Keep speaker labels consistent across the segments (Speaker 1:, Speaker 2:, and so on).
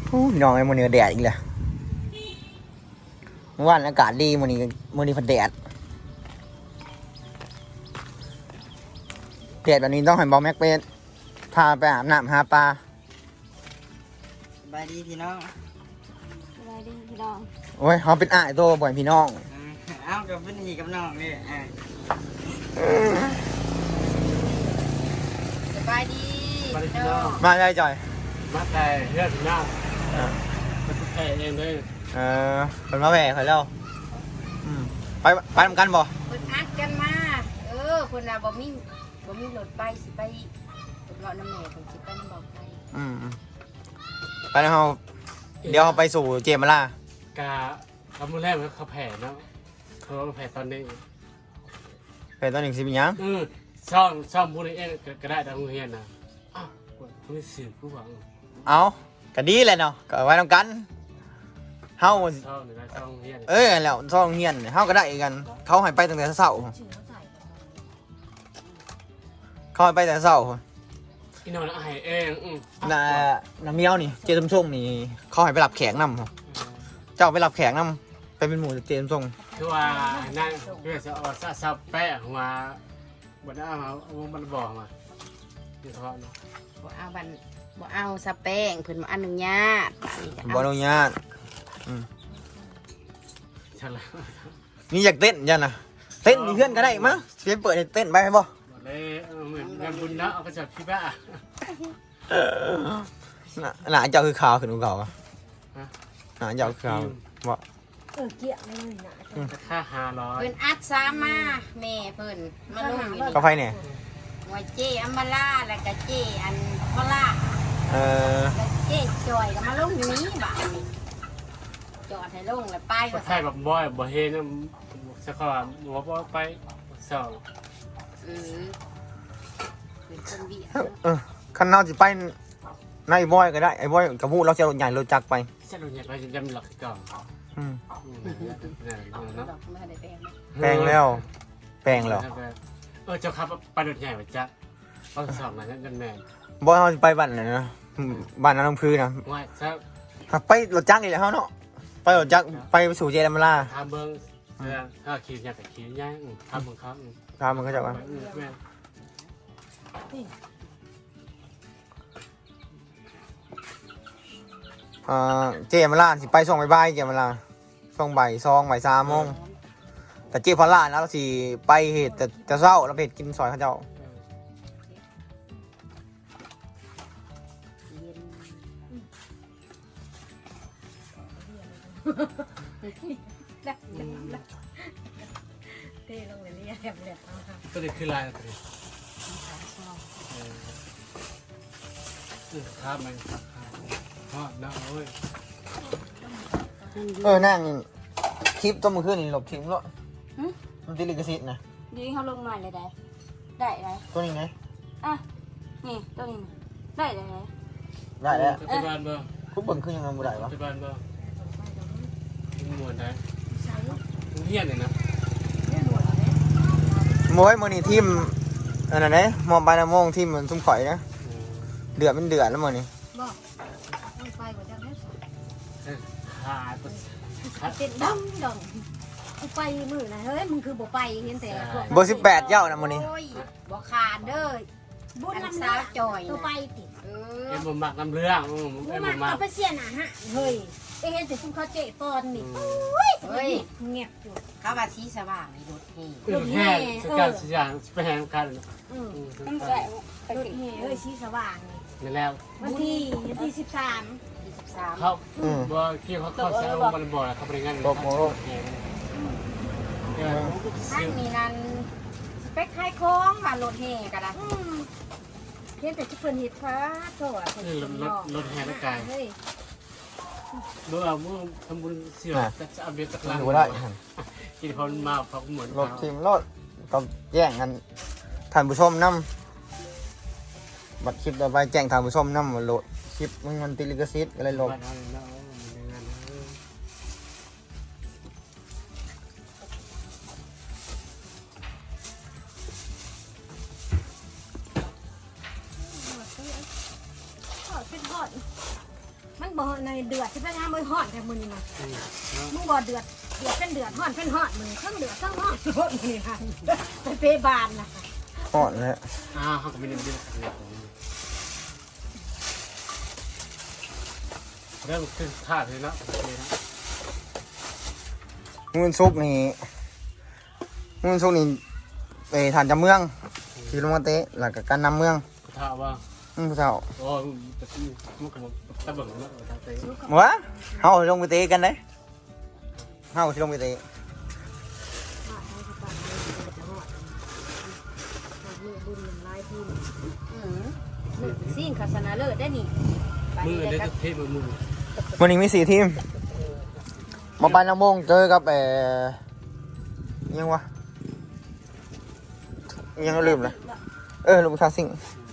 Speaker 1: พี่น้องไอ้มื้อนี้แดดอีกแล้วเมื่อวานอากาศดีมื้อนี้พัดแดดแบบนี้ต้องให้บอแม็กไปพาไปอาบน้ำหาปลา
Speaker 2: สบายดีพี่น้อง
Speaker 3: สบายดีพี่น้อง
Speaker 1: โอ้ยเขาเป็นอ้ายโตบ่อยพี่น้อง
Speaker 2: เอ้ากับพี่นี่กับน้องนี่
Speaker 3: สบายดีพี่น้อง
Speaker 1: มาได้จ่อย
Speaker 4: มาแต่เรื่องหน้ามันแค่เองเลย
Speaker 1: เป็นมาแหว่เขาแล้วไปทำกันบ่
Speaker 3: เพิ่นอัดกันมาเพิ่นน่ะบ่มีรถไปสิไปเลาะน้ำแม่เพิ่นสิไปน้ำบอกไป
Speaker 1: ไปแล้วเขาเดี๋ยวเขาไปสู่เจมาล่าก
Speaker 4: าคำมือแรกเขาแผ่เนาะเขาแผ่ตอนนี้
Speaker 1: ไปตอนหนึ่งสิบยัง
Speaker 4: ช่องพูดเองก็ได้ทางโรงเรียนนะอ้าวคุณสื่อผู้หวัง
Speaker 1: เอาก็ดีแหละเนาะก็ไว้ทำกันเฮา
Speaker 4: ช่องหรือช่องโรงเรียน
Speaker 1: แล้วซ่องเฮียนเฮาก็ได้กันเขาให้ไปตั้งแต่เช้าเขาให้ไปแต่เช้า
Speaker 4: อีนอนไอเอง
Speaker 1: น้ำเมียวนี่เจสมส่งนี่เขาให้ไปรับแขกนำเจ้าไปรับแขกนำไปเป็นหมู่เจสมส่ง
Speaker 4: คือว่านั่นเพื่อจะเอาซับแปะมาบนหน้ามามันบอกมาเฉพาะเนาะ
Speaker 3: บ่เอาสแป้งเพิ่นมาอนุญาตป่านนี้ก็
Speaker 1: บ่อนุญาต
Speaker 4: ใช่แล้ว
Speaker 1: นี่อยากเต้นยันนะเต้นมีเพื่อนก็ได้มั้งเสียเปิดให้เต้นไปให้บ่
Speaker 4: เลยเหมือนงานบุญนะเอาไปจับพี่บ้า
Speaker 1: หนาเจ้าคือขาวขึ้นกว่าเก่าอะหนาเจ้าคือขาวบ่
Speaker 3: เกี่ยเลยนะ
Speaker 4: ค่า500
Speaker 3: เพิ่นอัดซามาแม่เพิ่นมาลงอยู่
Speaker 1: ก็ไฟเนี่ย
Speaker 3: หัวเจอัมบาล่าแล้วก็เจอันพอล่า แล้วเจจอยก็มาลงอยู่นี้บาดนี้จอดให้ลงแล้วไป
Speaker 4: ก็
Speaker 3: ว่า
Speaker 4: ใช่แบบบ่อยบ่เห็นสักคำบอกว่าไปสอง
Speaker 3: เป็นคนเบียด
Speaker 1: คันเฮาสิไปในบอยก็ได้ไอ้บอยกับผู้เราจะรถใหญ่รถจักรไป
Speaker 4: เส้นลงเนี่ยไปจำหลักก่อน
Speaker 3: ดอกไม่ได้แปลงนะ
Speaker 1: แปลงแล้ว
Speaker 4: เจ้าครับไปรถใหญ่ไปจ้ะเอาสองนะนั่นแม่
Speaker 1: บอยเฮาสิไปบ้านไหนนะบ้านน้ำพื้นนะ
Speaker 4: ว่าถ้า
Speaker 1: ไปรถจักรนี่แหละเฮาเนาะไปรถจักรไปสู่เจดามาลา
Speaker 4: ทำเบิ้งถ้าขี่ใหญ่แต่ขี่ใหญ่ทำเบิ้งครับ
Speaker 1: ถามมันก็จะว่าเจมาลาสิไปส่งบ่ายๆเจมาลาส่งบ่าย3 โมงแต่เจพอลานะเราสิไปเหตุแต่เช้าเราไปเหตุกินซอยเขาเจ้า
Speaker 3: เท่ลงเลยเนี่ยแหลม
Speaker 4: ก็เลยคือลายตัวนี้ครับมันฮอดนะโอ้ย
Speaker 1: นั่งคลิปต้นมือขึ้นนี่หลบทิ้งแล้วมันติดลิขสิทธิ์นะ
Speaker 3: ดีเขาลงมาเลยได้ไร
Speaker 1: ตัวนี้ไง
Speaker 3: อ่ะนี่ตัวนี้ได้ไร
Speaker 1: ได้แล้ว
Speaker 4: ที่บ้านบ่
Speaker 1: คุณเบิ่งขึ้นยังไงบ่ได้วะ
Speaker 4: ที่บ้านบ่มวนได้เฮียนเลยนะ
Speaker 1: โม้ยมื้อนี้ทีมอันนั้นเด้มองไปนะโมงทีมมันซุ่มข่อยนะเดือดแล้วมื้อนี้
Speaker 3: บอกมันไปกว่าจะได้
Speaker 4: ขาด
Speaker 3: เป็นดำกูไปมือนะเฮ้ยมึงคือบ่ไปเห็นแต่
Speaker 1: เบอร์18เจ้านะมื้อนี้
Speaker 3: บ่ขาดเด้อบุญน้ำสาวจอยตัวไปติ
Speaker 4: เอ็มบ่มักน้ำเรื่องเอ็มบ่มัก
Speaker 3: เอาไปเสียน่ะฮะเฮ้ยไปเห็นแต่ซุ่มเขาเจ๊ปอนนี่เฮ้ยเงียบอยู่เขาว่าสีสว่างในรถนี่
Speaker 4: แห่สกัดสยามไปแห่กัน
Speaker 3: ต้องใส่รถนี่เฮ้ยสีสว่างนี่
Speaker 4: นี่แล้ว
Speaker 3: วันที่13
Speaker 4: เขาบ่ที่เขาเข้าใช้มันบ่เขาไปงาน
Speaker 3: ท่านมีนั่นไปขายของว่ารถแห่ก็ได้เพียงแต่ที่เพิ่นเฮ็ดฟ้าโตอ่ะ
Speaker 4: รถแห่ร่างกายเมื่อทำบุญเสียจะเอาเบียร์จากร้าน
Speaker 1: ดูได้
Speaker 4: กินพอมาเขาเหมือน
Speaker 1: รถทีมรถก็แย่งกันท่านผู้ชมนำบัดคลิปต่อไปแจ้งท่านผู้ชมนำว่าโหลดคลิปมันติดลิขสิทธิ์อะไรลบ
Speaker 3: มันมันบ่ในเดือดที่พนักงานบ่ฮอดแต่มื้อนี้นะ
Speaker 4: เนาะ
Speaker 3: มึงบ่เดือดเป็นเดือดฮอดเป็นฮอดมึงเครื่องเดือดเครื่องฮอดโดนนี่ค่ะไปเปบานน่ะ
Speaker 1: หอดแล้ว
Speaker 4: เขาก็ไม่ได้ดื้อเริ่มขึ้นท่าเลยเนาะ
Speaker 1: มื้อซุกนี่ไปฐานจำเมืองที่ลงมาเตะแล้วก็การนำเมือง
Speaker 4: ท่าว่า
Speaker 1: ผู้เฒ่า
Speaker 4: โอ้มันก็ตะเบิ่งเนาะท่าเตะ
Speaker 1: วะเฮาลงไปเตะกันเด้เฮาสิลงไปเตะ
Speaker 3: สิ่งคาสนาเลิศได้นี่
Speaker 4: มือเด็กเทมือ
Speaker 1: วันนี้มี4ทีมมาปานน้ำมงเจอกับยังวะยังลืมเลยลุงชาสิง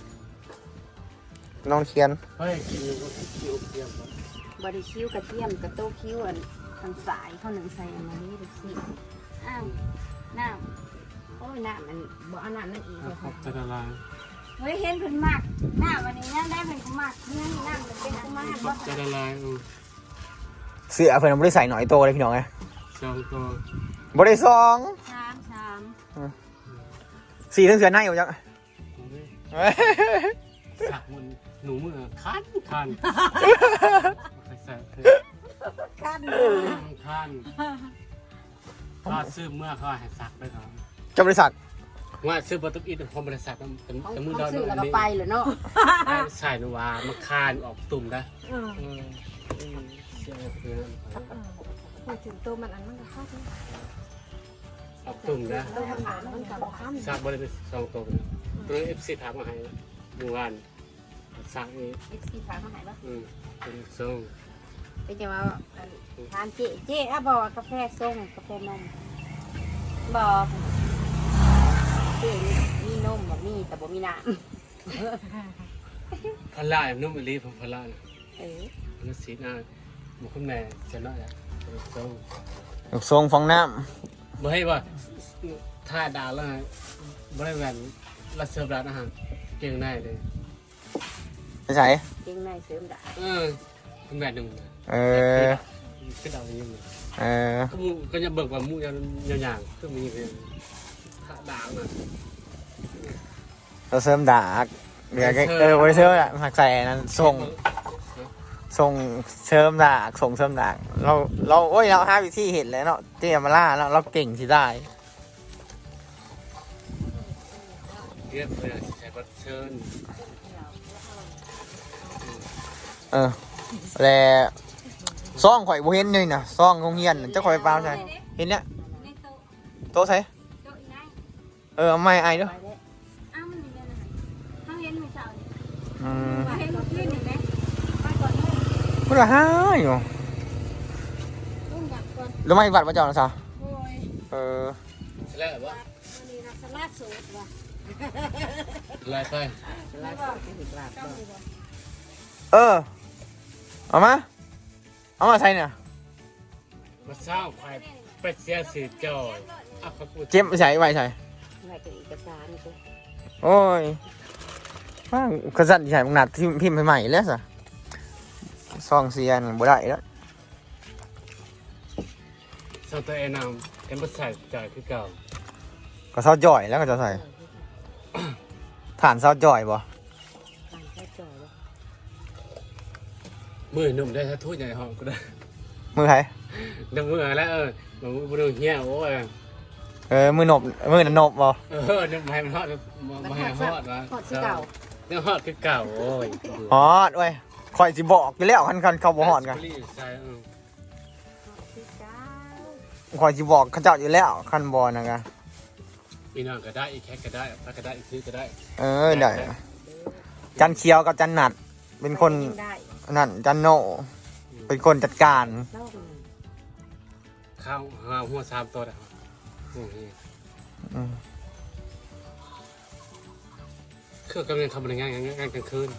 Speaker 1: น้องเขียน
Speaker 4: เฮ้ยคิวเทียม
Speaker 3: บริคิวกระเทียมกระโต้คิวอันทางสายเขาหนึ่งใส่อันนี้ดูสิอ้าวน้ำโอ้ยน้ำมันบ่เอาน้ำนั่นอีกเลย
Speaker 4: ขอบจะละลาย
Speaker 3: เฮ้ยเห็นเพิ่นมากน้ำวันนี้ย่างได้เพิ่นก็มากเนื้อนี่น้ำมันเป็นกุมาร
Speaker 4: ขอบจะละลาย
Speaker 1: เสื้อเพิ่นบ่ได้ใส่หน่อยโตเลยพี่น้องไง
Speaker 4: สองตัว
Speaker 1: บ่ได้ซอง
Speaker 3: สาม
Speaker 1: สีทั้งเสือในอยู่จัง
Speaker 4: สักมันหนูมือคันใส่
Speaker 3: กัน
Speaker 4: คันก็ซื้อเมื่อเขาให้สักได้ครับ
Speaker 1: จะบริษัท
Speaker 4: ว่าซื้อประตูอินพอบริษัทแต่มือ
Speaker 3: เขา
Speaker 4: เรา
Speaker 3: ซื้อแล้วก็ไปเหรอเนาะ
Speaker 4: ใส่นวามาคานออกตุ่มนะเสียเพื่อน
Speaker 3: พูดถึงตัวมันอันมันก็เข้าถึง
Speaker 4: ออกตุ่มนะ
Speaker 3: ตัวมันหามันกับข้าม
Speaker 4: สักบริษัทสองตัวตัวเอฟซีถามมาให้เมื่อวานสักนี้
Speaker 3: เอ็กซ์ซีฟ้าเขาหายปะ
Speaker 4: เป็นส่ง
Speaker 3: ไปจะมาทานเจ๊อะบอกกาแฟส้มกาแฟนมบอกเจ๊มีนมแบบมีแต่บ่มีน้
Speaker 4: พลานุ่มอลีผมพลา
Speaker 3: ำ
Speaker 4: แล้วสีหน้าบุคคลแม่จะน้อยอ่ะส่ง
Speaker 1: ทรงฟองน้
Speaker 4: บ่ให้ว่าท่าดาวแล้วบริเวณรัสเซียร้านอาหารเก่งได้เลย
Speaker 1: ำไม่ใช่
Speaker 3: เก่งในเสริมดา
Speaker 4: คุณแม่หนึ่ง ขึ้นดาวยิ่งก็จะเบิกว่ามูอย่างก็มีเป็นท่าดาวนะ
Speaker 1: เราเสริมดากเดี๋ยวบริเซอร์อะหักใส่นั้นส่งเสริมดากส่งเสริมดากเราโอ้ยเราหาวิธีเห็นแล้วเนาะเจียมาล่าแล้วเราเก่งที่ได้
Speaker 4: เรียบเลยใช้บัตรเชิญ
Speaker 1: แล้วซ่องข่อยบ่เห็นเลยนะซ่องโรงเรียนเจ้าข่อยเปล่าใช่เห็นเนี่ยโต๊ะใช่เอาไม่ไอเด้อ
Speaker 3: อ้าวมันอยู่ในนั้นเขาเห็นไม่เศร้าเนี่ย
Speaker 1: อืม
Speaker 3: เห็นขึ้นเห็นไหมไปก่อนเลย
Speaker 1: พูดละห้าอยู่
Speaker 3: ลุงอยากก่อน
Speaker 1: แล้วไม่บัตรมาเจ้านะซะ
Speaker 3: โอ้ย
Speaker 4: แล้วว่า
Speaker 3: วันนี้นะสลัดสูตรว่ะ
Speaker 4: ลายไป
Speaker 1: เอามาใส่เนี่ย
Speaker 4: มาเศร้าควายเป็ดเสียสีจอยเขาพูด
Speaker 1: เจ็บใส่ไว้ใส่
Speaker 3: ไม่เป็นเอกสารนี่สิ
Speaker 1: โอ้ยว่างกระสันใส่มึงหนัดพิมพ์ใหม่แล้วสะซองเสียนบ่ได้แล้ว
Speaker 4: สาวตัวเองนำเอ็มใส่จ่ายคือเก่า
Speaker 1: ก็เซาจ่อยแล้วก็จะใส่ฐานเซาจ่อยบ่
Speaker 3: ทางแค่จ่อยเลย
Speaker 4: มือหนุ่มได้ถ้าทุ่ยใหญ่ห้องก็ได้
Speaker 1: มือใคร
Speaker 4: เดี๋ยวมือแล้วมันมือเหี้ยโอ้ย
Speaker 1: มือนบนบบ่
Speaker 4: เดี๋ยวให้มันฮอดมาให้ฮอดวะ
Speaker 3: หอดที่เก่า
Speaker 4: เดี๋ยวฮอดคือเก่าโอ้ย
Speaker 1: ฮอดเว้ยข่อยสิบอกอยู่แล้วคันเขาบ่ฮอดกัน
Speaker 4: ใช่
Speaker 3: ที่เก่า
Speaker 1: ข่อยสิบอกเขาเจ้าอยู่แล้วคันบ่นะกะ
Speaker 4: อีนอนก็ได้อีแคก็ได้พักก็ได้อีซื้อก็ได้
Speaker 1: ได้จันเคียวกับจันหนัดเป็นคน
Speaker 3: ได้
Speaker 1: นั่นจันโนเป็นคนจัดการ
Speaker 3: เล่ากัน
Speaker 4: ข้าวหัว3ตัวนะครับคือกำลังทำงานกลางคืน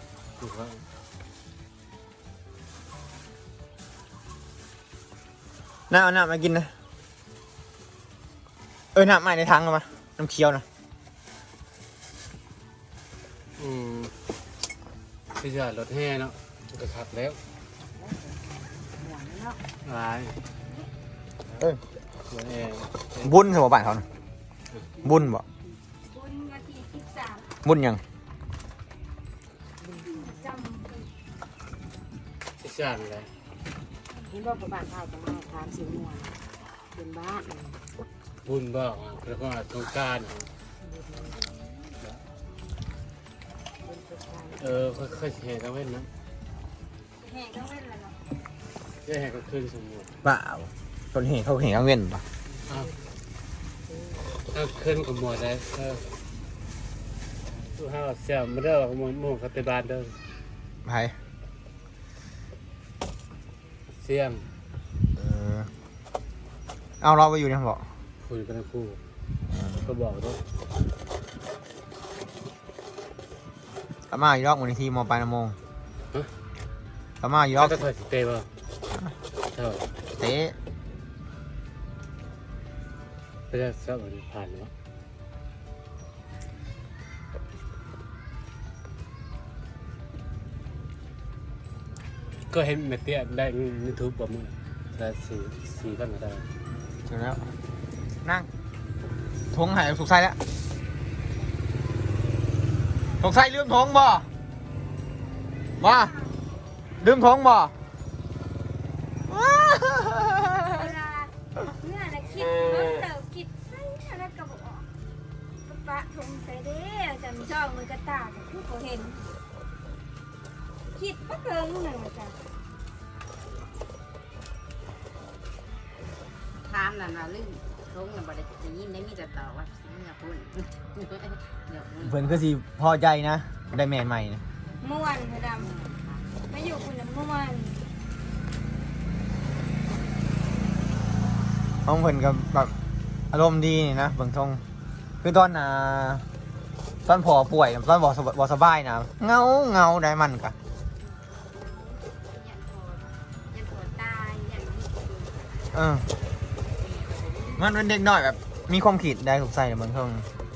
Speaker 1: น้าเอาน้ำมากินนะน้ำใหม่ในถังเอามาน้ำเคียวนะ
Speaker 4: พี่จะรถแห่เนาะก็ขับแล้ว
Speaker 3: ห่วงเนาะ
Speaker 4: ร้าย
Speaker 1: เออ
Speaker 4: หัวแอร์
Speaker 1: บุญสมบัติเขาน่ะบุญบ่
Speaker 3: บุญวันที่13
Speaker 1: บุญหยัง
Speaker 3: จำ
Speaker 4: ที่สั่งเลย
Speaker 3: เห็นบอกบ้านเฮาจะมาทานสิม่วนเป็นบ้าน
Speaker 4: บุญบอกแล้วก็สงการ ค่อยๆแห่กันเว้นนะ
Speaker 3: แห่ก็เว้นแล้วเนาะ
Speaker 4: จะแห่กันขึ้นสมมุติ
Speaker 1: เปล่าต้นเหตุเขาเห็นกังเว้นป่ะ
Speaker 4: ถ้าขึ้นกับหมวดได้ตู้ห้าเสียมาเด้อหมู่คาเตบานเด้อ
Speaker 1: ไผ
Speaker 4: เสียม
Speaker 1: เอาเราไปอยู่เนี่ยบอก
Speaker 4: คุยกันทั้งคู่ก็บอกด้วย
Speaker 1: อาม่าอยู่รอบมูลนิธิมอปลายน้ำมงอาม่าอยู่รอบ
Speaker 4: จะถอยสิเตะป่ะเท่า
Speaker 1: เตะ
Speaker 4: ไปได้สักวันผ่านแล้วก็เห็นเมเตียได้ยูทูบประมาณได้สี่พันก็ได้
Speaker 1: เสร็จแล้วนั่งทงหายสุกไส้แล้วสุกไส้ลืมทงบ่มาลืมทงบ่
Speaker 3: เวลาเมื่อน่ะคิดเพิ่มเติมคิดใส่อะไรก็บ่ออกปะทงใส่เด้อจำจ้องมือกระตาก็คือบ่เห็นคิดบ่เกินนั่นน่ะจ้ะถามนั่นน่ะลืมทงน่ะบ่ได้ยินได้มีแต่ตอบว่าเมื่อพุ่นเดี๋ยว
Speaker 1: เพิ่นก็สิพอใจนะได้แมนใหม่นะ
Speaker 3: ม่วนพระดำมาอยู่คุณน่ะม่วน
Speaker 1: ห้องเพิ่นก็แบบอารมณ์ดีนี่นะเบิ่งทงคือตอนตอนพอป่วยตอนบ่สบายนะเงาได้มันกะ
Speaker 3: ยันหัวตายยัน
Speaker 1: มันเป็นเด็กน้อยแบบ มีความคิดได้ถูกใส่เบิ่งทง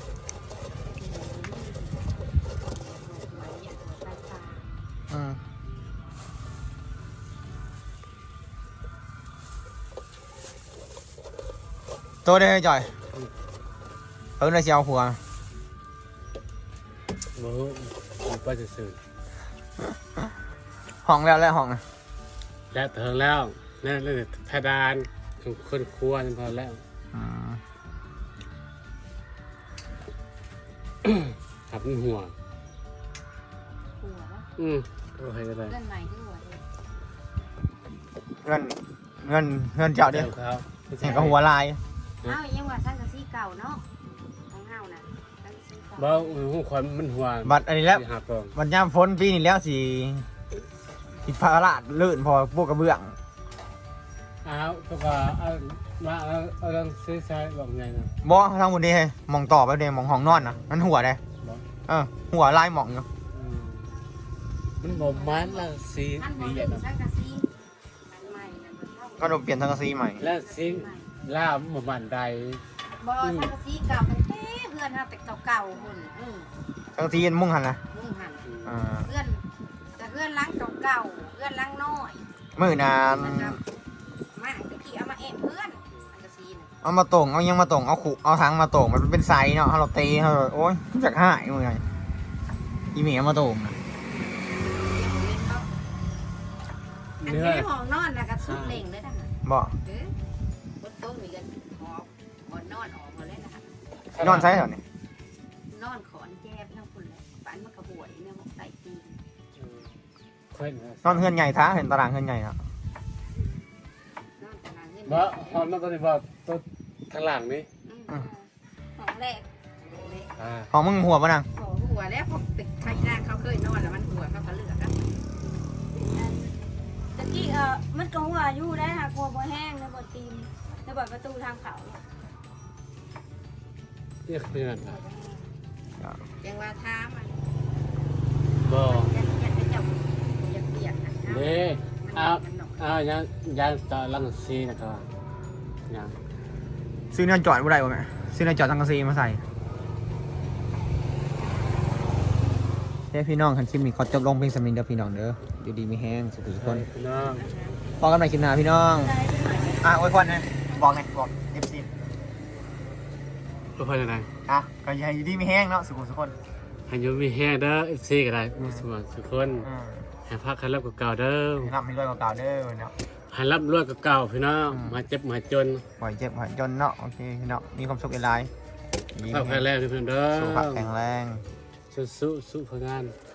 Speaker 1: ตัวได้จ่อยเลยสิเอาผัว
Speaker 4: มือไปสื่อ
Speaker 1: ห้องแล้วห้องนะ
Speaker 4: แล้วเถิงแล้วนั่นเลยเพดานคนครัวนี่พอแล้วขับหัว
Speaker 3: หัวปะ
Speaker 4: โอเคก็ได้
Speaker 3: เลื่อนใหม่ที่หัวเลย
Speaker 1: เงินเจ้าเด้อ
Speaker 4: ครับ
Speaker 1: เห็นก็หัวลาย
Speaker 3: เอ้ายังว่าสังกะสีเก่าเนาะของเฮาน่ะสังกะสีเก่า
Speaker 4: บ่หัวควันมันหัว
Speaker 1: บัตรอันนี้แล้ว
Speaker 4: หักกอง
Speaker 1: บัตรยามฝนปีนี้แล้วสิผิดพลาดลื่นพอพวกกระเบื้อง
Speaker 4: อ้าวก็ว่ามาเอาเรื่องซื้อใช้บอกไงนะ
Speaker 1: บ่ทางบนนี้ให้มองต่อไปเดมองห้องนอนนะมันหัวได้หัวลายหมองอยู่
Speaker 4: มันบอกมันละสี
Speaker 3: อันบ่
Speaker 4: ดี
Speaker 3: ถึ
Speaker 4: อ่ะ
Speaker 3: งสังกะสีอันใหม่น่ะมันเท่า
Speaker 1: ก็โดนเปลี่ยนสังกะสีใหม่
Speaker 4: แล้วสีล่ามมันใด
Speaker 3: บ่สังกะสีเก่าตั้งแต่เพื่อนเฮาแต่เก่าๆพุ่น
Speaker 1: สังกะสีมุ่งหันนะ
Speaker 3: มุ่งหัน
Speaker 1: เ
Speaker 3: เพื่อนแต่เพื่อนล้างเก่าๆเพื่อนล้างน้อย
Speaker 1: มื่อนาน
Speaker 3: นะครับมาตะกี้เอามาเอะเพื่อนสังกะสีน่ะ
Speaker 1: เอามาตรงเอายังมาตรงเอาขุเอาทั้งมาตรงมันเป็นไซส์เนาะเราตีเราโอ๊ยจากหายมึงไงอีเมียมาตรง
Speaker 3: อัน
Speaker 4: เนื้อ
Speaker 3: นี้ห้องนอนนะก็สุดเล่งเลยนะฮะ
Speaker 1: บ่
Speaker 3: บนโต๊ะมีกันหอบหอนนอนออกมาเลยนะคะ
Speaker 1: นอนใช่เหรอเนี่ย
Speaker 3: นอนขอนแจบทั้งคนเลยฝันมันกระบวยเนี่ยมันใส่ตีน
Speaker 1: นอนเฮือนใหญ่ท้าเห็นตารางเฮือนใหญ่เนาะ
Speaker 3: นอนขนาดนี้
Speaker 4: บ่หอมนั่นตัวนี้บ่ตัวข้างหลังนี่
Speaker 3: ห้องแรก
Speaker 1: ของมึงหัวปะนัง
Speaker 3: ขอหัวแล้วพวกตึกไทยหน้าเขาเคยนอนแล้วมันหัวเขาก็เลือกกันตะกี้มันก็หัวอยู่ได้ค่ะกลัวบ่แห้งแล้วบ่ตีนแล้วบ่ประตูทางเขา
Speaker 4: เรียกเป็นอะไร
Speaker 3: ยังว่าท้ามัน
Speaker 4: บ่
Speaker 3: ยังจะจับยังเปียกนะ
Speaker 4: เด้ยังต่อลังซีนะครับยัง
Speaker 1: ซื้อเนื้อจอดบ่ได้บ่แม่ซื้อเนื้อจอดสังกะสีมาใส่เฮ้พี่น้องคันคลิปนี้ขอจบลงเพียงสำนึกเด้อพี่น้องเด้ออยู่ดีมีแห้งสุขทุกคน
Speaker 4: พี่น้อง
Speaker 1: พอกันใหม่คลิปหน้าพี่น้องอวยพรนะบอกไงบอก FC
Speaker 4: ก็พอจะได้
Speaker 1: ก็อย่าอยู่ดีมีแห้งเนาะสุขทุกคน
Speaker 4: ให้อยูมีแห้งเด้อ FC ก็ได้สวัสดีทุกคนให้พักคันรับกับเก่าเด้อ
Speaker 1: ร่ำให้รวยกว่าเก่าเด้อเนาะ
Speaker 4: ให้รับรวยกับเก่าพี่น้องมาเจ็บมาจน
Speaker 1: ปล่อยเจ็บปล่อยจนเนาะโอเคเนาะมีความสุขหลาย
Speaker 4: เข้าแค่แรกพี่น้องเด้อ
Speaker 1: สุขภาพแข็งแรง
Speaker 4: สู้ๆผลงาน